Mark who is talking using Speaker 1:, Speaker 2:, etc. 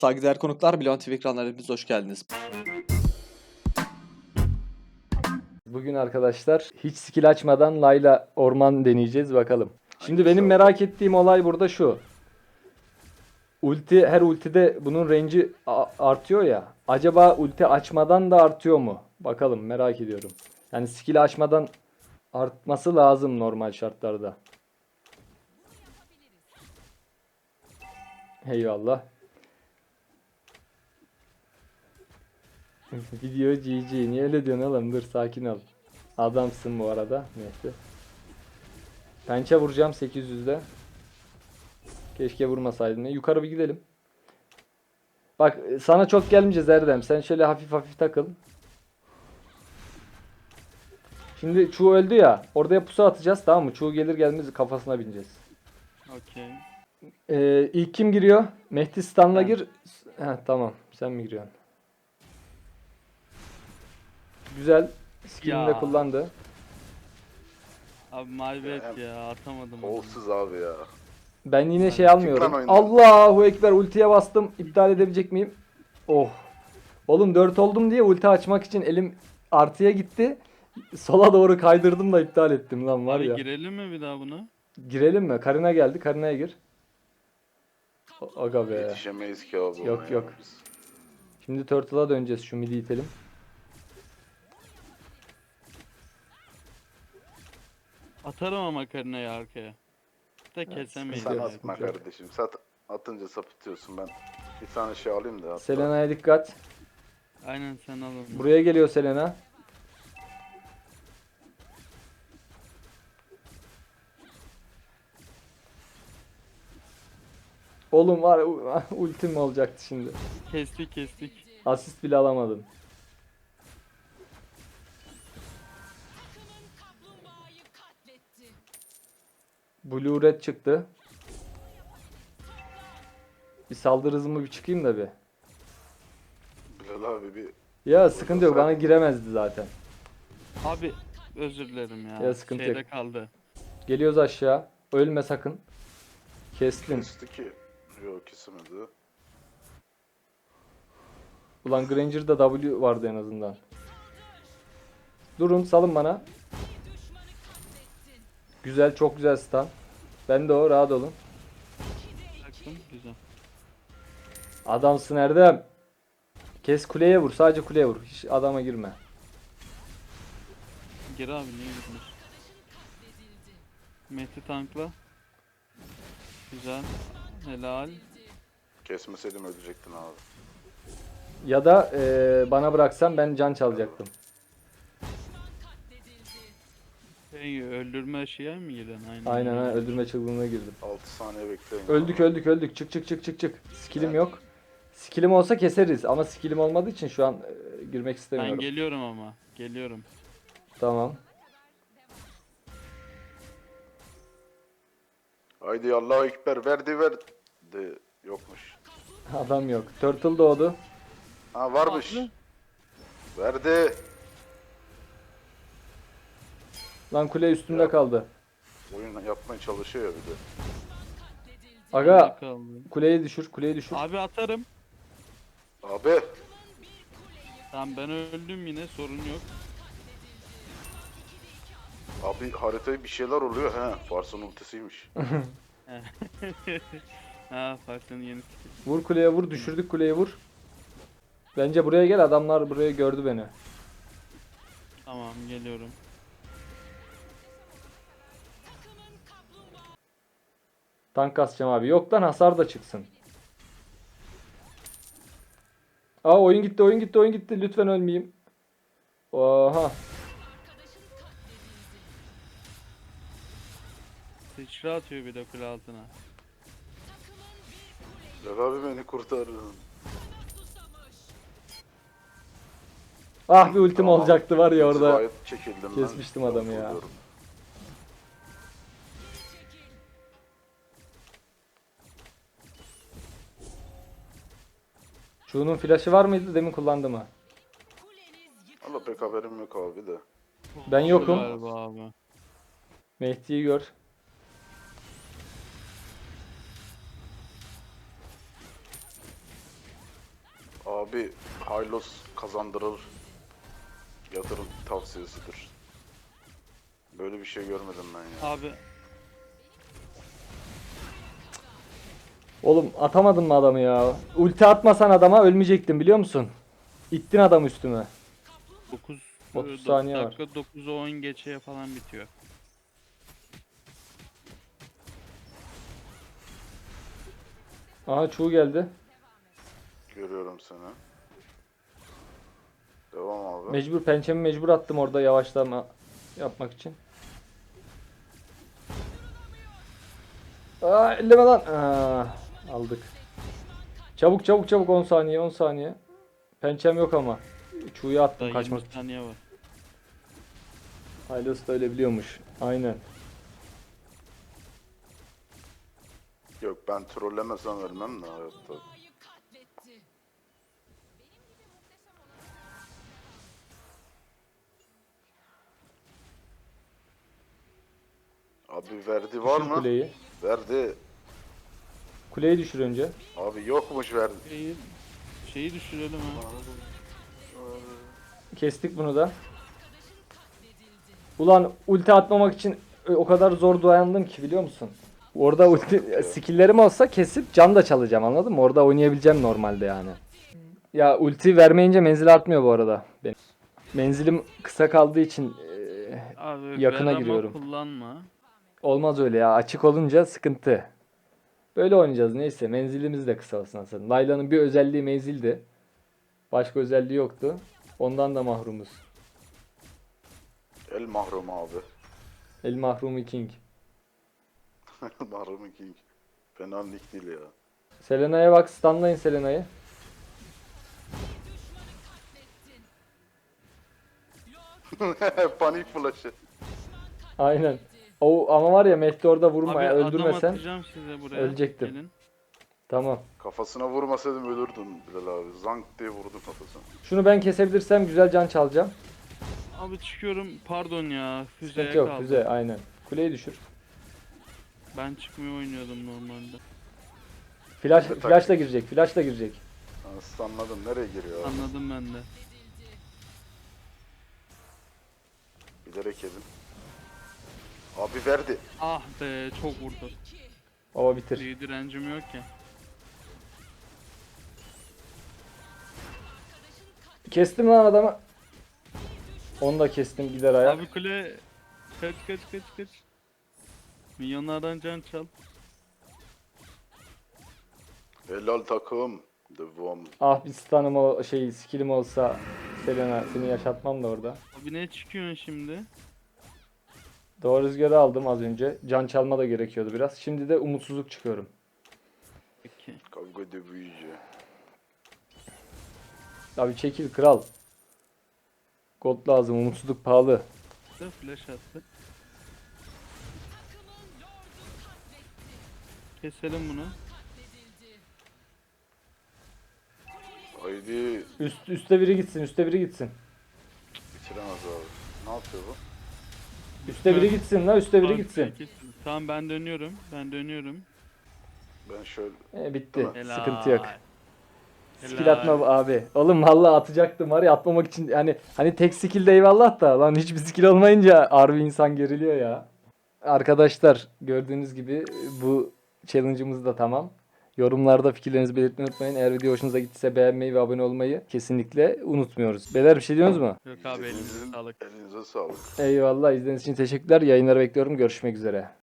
Speaker 1: Saygıdeğer konuklar, Bilon TV ekranlarına hoş geldiniz.
Speaker 2: Bugün arkadaşlar hiç skill açmadan Layla orman deneyeceğiz bakalım. Şimdi benim
Speaker 3: İnşallah.
Speaker 2: merak ettiğim olay burada şu. Her ultide bunun range'i artıyor ya. Acaba ulti açmadan da artıyor mu? Bakalım, merak ediyorum. Yani skill açmadan artması lazım normal şartlarda. Eyvallah. Video GG. Niye öyle diyorsun oğlum? Dur, sakin ol. Adamsın bu arada. Neyse. Pençe vuracağım 800'de. Keşke vurmasaydım. Yukarı bir gidelim. Bak, sana çok gelmeyeceğiz Erdem. Sen şöyle hafif hafif takıl. Şimdi Çuğ öldü ya. Oraya pusu atacağız, tamam mı? Çuğ gelir gelmez kafasına bineceğiz.
Speaker 4: Okey.
Speaker 2: İlk kim giriyor? Mehdi Stan'la
Speaker 4: Ben.
Speaker 2: gir. Heh, tamam. Sen mi giriyorsun? Güzel. Skill'ini de
Speaker 4: Ya.
Speaker 2: kullandı.
Speaker 4: Abi maybet ya atamadım. onu.
Speaker 3: Olsuz abi ya.
Speaker 2: Ben yine
Speaker 4: Hadi
Speaker 2: şey
Speaker 3: çık
Speaker 2: almıyorum.
Speaker 3: lan oyundan.
Speaker 2: Allahu Ekber, ultiye bastım. İptal edebilecek miyim? Oh. Oğlum 4 oldum diye ulti açmak için elim artıya gitti. Sola doğru kaydırdım da iptal ettim lan, var
Speaker 4: Abi
Speaker 2: ya.
Speaker 4: girelim mi bir daha buna?
Speaker 2: Girelim mi? Karina geldi. Karina'ya gir. Aga be.
Speaker 3: Yetişemeyiz ki abi.
Speaker 2: Yok,
Speaker 3: ona
Speaker 2: yok.
Speaker 3: ya biz.
Speaker 2: Şimdi Turtle'a döneceğiz. Şu midi itelim.
Speaker 4: Atarım ama Karina'yı arkaya. Da kesemeyiz.
Speaker 3: Sen
Speaker 2: Yok,
Speaker 4: yani.
Speaker 3: atma
Speaker 2: yok.
Speaker 3: kardeşim. Atınca sapıtıyorsun ben. Bir tane şey alayım da hatta.
Speaker 2: Selena'ya dikkat.
Speaker 4: Aynen sen al onu.
Speaker 2: Buraya geliyor Selena. Oğlum var ya, ultim olacaktı şimdi.
Speaker 4: Kestik.
Speaker 2: Asist bile alamadım. Blue Red çıktı. Bir saldırı hızımı bir çıkayım da bir.
Speaker 3: Bilal abi bir
Speaker 2: Ya sıkıntı yok, bana giremezdi zaten.
Speaker 4: Abi özür dilerim ya.
Speaker 2: Ya, sıkıntı
Speaker 4: Şeyde
Speaker 2: yok.
Speaker 4: kaldı.
Speaker 2: Geliyoruz aşağı. Ölme sakın. Kestim.
Speaker 3: kesti ki. Yok kesemedi.
Speaker 2: Ulan Granger'da W vardı en azından. Durun, salın bana. Güzel, çok güzel stun. Ben de o, rahat olun.
Speaker 4: Baktım güzel.
Speaker 2: Adamsın Erdem. Kes, kuleye vur, sadece kuleye vur. Hiç adama girme.
Speaker 4: Gir abi niye gitmiş? Mehdi tankla. Güzel. Helal.
Speaker 3: Kesmeseydim ölecektin abi.
Speaker 2: Ya da bana bıraksan ben can çalacaktım.
Speaker 4: Hey, öldürme şeye mi girdin?
Speaker 2: Aynen ha, öldürme çılgınlığına girdim.
Speaker 3: 6 saniye bekleyin.
Speaker 2: Öldük. Çık. Skillim yok. Skillim olsa keseriz ama skillim olmadığı için şu an girmek
Speaker 4: Ben
Speaker 2: istemiyorum.
Speaker 4: geliyorum ama. Geliyorum.
Speaker 2: Tamam.
Speaker 3: Haydi Allahu Ekber verdi. Yokmuş.
Speaker 2: Adam yok. Turtle doğdu.
Speaker 3: Ha varmış.
Speaker 4: Abi.
Speaker 3: Verdi.
Speaker 2: Lan kule üstümde
Speaker 3: Ya.
Speaker 2: kaldı.
Speaker 3: Oyun yapmaya çalışıyor ya bir de.
Speaker 2: Aga,
Speaker 4: Kaldı.
Speaker 2: kuleyi düşür.
Speaker 4: Abi atarım.
Speaker 3: Abi.
Speaker 4: Tamam ben öldüm yine sorun yok.
Speaker 3: Abi haritaya bir şeyler oluyor he. Fars'ın ultisiymiş.
Speaker 4: Ha Fark'ın yeni skill.
Speaker 2: Vur kuleye vur. Düşürdük kuleyi, vur. Bence buraya gel. Adamlar buraya gördü beni.
Speaker 4: Tamam geliyorum.
Speaker 2: Tank kasacağım abi. Yok lan, hasar da çıksın. Aa, oyun gitti. Lütfen ölmeyeyim. Oha.
Speaker 4: Sıçra atıyor bir de kule altına.
Speaker 3: Bilal abi beni kurtarın.
Speaker 2: Ah, bir ultim
Speaker 3: Tamam.
Speaker 2: olacaktı var ya orada.
Speaker 3: İnzivaya çekildim ben.
Speaker 2: Kesmiştim adamı ya.
Speaker 3: Korkuyorum.
Speaker 2: Şunun flash'ı var mıydı? Demin kullandı mı?
Speaker 3: Valla pek haberim yok abi de.
Speaker 2: Ben yokum.
Speaker 4: Galiba abi.
Speaker 2: Mehdi'yi gör.
Speaker 3: Abi Hylos kazandırır. Yatırım tavsiyesidir. Böyle bir şey görmedim ben ya.
Speaker 4: Abi
Speaker 2: Oğlum atamadın mı adamı ya? Ulti atmasan adama ölmeyecektim biliyor musun? İttin adamı üstüme.
Speaker 4: 9
Speaker 2: 30 saniye var.
Speaker 4: dakika 9'a 10 geçeye falan bitiyor.
Speaker 2: Aha çuğu geldi.
Speaker 3: Görüyorum seni. Devam abi.
Speaker 2: Mecbur pençemi mecbur attım orada yavaşlama yapmak için. Aa elleme lan. Aa, aldık. Çabuk çabuk çabuk 10 saniye 10 saniye. Pençem yok ama. Çuğuya attım
Speaker 4: Daha
Speaker 2: kaçmak
Speaker 4: 20
Speaker 2: için.
Speaker 4: saniye var.
Speaker 2: Hylos da öyle biliyormuş. Aynen.
Speaker 3: Yok ben trollemesem ölmem de hayatta. Abi verdi var
Speaker 2: Düşür
Speaker 3: mı?
Speaker 2: kuleyi.
Speaker 3: Verdi.
Speaker 2: Kuleyi düşür önce.
Speaker 3: Abi yokmuş verdi.
Speaker 4: Şeyi düşürelim ha.
Speaker 2: Kestik bunu da. Ulan ulti atmamak için o kadar zor dayandım ki biliyor musun? Orada ulti skill'lerim olsa kesip can da çalacağım anladın mı? Orada oynayabileceğim normalde yani. Ya ulti vermeyince menzil artmıyor bu arada. Benim. Menzilim kısa kaldığı için
Speaker 4: Abi
Speaker 2: yakına
Speaker 4: Verama
Speaker 2: giriyorum.
Speaker 4: kullanma.
Speaker 2: olmaz öyle ya. Açık olunca sıkıntı. Böyle oynayacağız neyse. Menzilimiz de kısa olsun aslında. Layla'nın bir özelliği menzildi. Başka özelliği yoktu. Ondan da mahrumuz.
Speaker 3: El mahrum abi.
Speaker 2: El mahrumu king.
Speaker 3: Mahrum King. Fena lig değil ya.
Speaker 2: Selena'ya bak, stunlayın Selena'yı.
Speaker 3: Panik flash'ı.
Speaker 2: Aynen. O ama var ya Mehdi orada vurma
Speaker 4: Abi
Speaker 2: ya
Speaker 4: adam
Speaker 2: öldürmesen.
Speaker 4: atacağım size buraya.
Speaker 2: ölecektim.
Speaker 4: Gelin.
Speaker 2: Tamam.
Speaker 3: Kafasına vurmasaydım ölürdün Bilal abi. Zank diye vurdu kafasına.
Speaker 2: Şunu ben kesebilirsem güzel can çalacağım.
Speaker 4: Abi çıkıyorum. Pardon ya. Füzeye
Speaker 2: Sıkıntı yok
Speaker 4: kaldı.
Speaker 2: füze aynen. Kuleyi düşür.
Speaker 4: Ben çıkmıyor oynuyordum normalde.
Speaker 2: Flashla girecek. Flashla girecek.
Speaker 3: Anladım nereye giriyor abi?
Speaker 4: Anladım ben de.
Speaker 3: Bilerek yedim. Abi verdi.
Speaker 4: Ah be çok vurdu.
Speaker 2: Baba bitir.
Speaker 4: Bir direncim yok ya.
Speaker 2: Kestim lan adamı. Onu da kestim gider ayak.
Speaker 4: Abi kule kaç. Milyonlardan can çal.
Speaker 3: Helal takım. Devam.
Speaker 2: Ah bir stun'ım o skill'im olsa Selena seni yaşatmam da orada.
Speaker 4: Abi ne çıkıyorsun şimdi?
Speaker 2: Doğru rüzgarı aldım az önce. Can çalma da gerekiyordu biraz. Şimdi de umutsuzluk çıkıyorum.
Speaker 4: Peki.
Speaker 3: Kavga de büyüyücü.
Speaker 2: Abi çekil kral. Gold lazım. Umutsuzluk pahalı.
Speaker 4: Flash attı. Keselim bunu.
Speaker 3: Haydi
Speaker 2: Üste biri gitsin. Üste biri gitsin.
Speaker 3: bitiremez abi. Ne yapıyor bu?
Speaker 2: Üste biri gitsin la. Üste biri
Speaker 4: Abi,
Speaker 2: gitsin.
Speaker 4: Tamam ben dönüyorum.
Speaker 3: Ben şöyle
Speaker 2: Bitti.
Speaker 4: Helal.
Speaker 2: Sıkıntı yok.
Speaker 4: Helal.
Speaker 2: Skill atma abi. Oğlum vallahi atacaktım var ya atmamak için hani tek skill de eyvallah da lan hiçbir skill olmayınca harbi insan geriliyor ya. Arkadaşlar gördüğünüz gibi bu challenge'ımız da tamam. Yorumlarda fikirlerinizi belirtmeyi unutmayın. Eğer video hoşunuza gittiyse beğenmeyi ve abone olmayı kesinlikle unutmuyoruz. Beyler bir şey diyorsunuz mu?
Speaker 4: Yok abi elinize sağlık.
Speaker 3: Elinize sağlık.
Speaker 2: Eyvallah izlediğiniz için teşekkürler. Yayınları bekliyorum. Görüşmek üzere.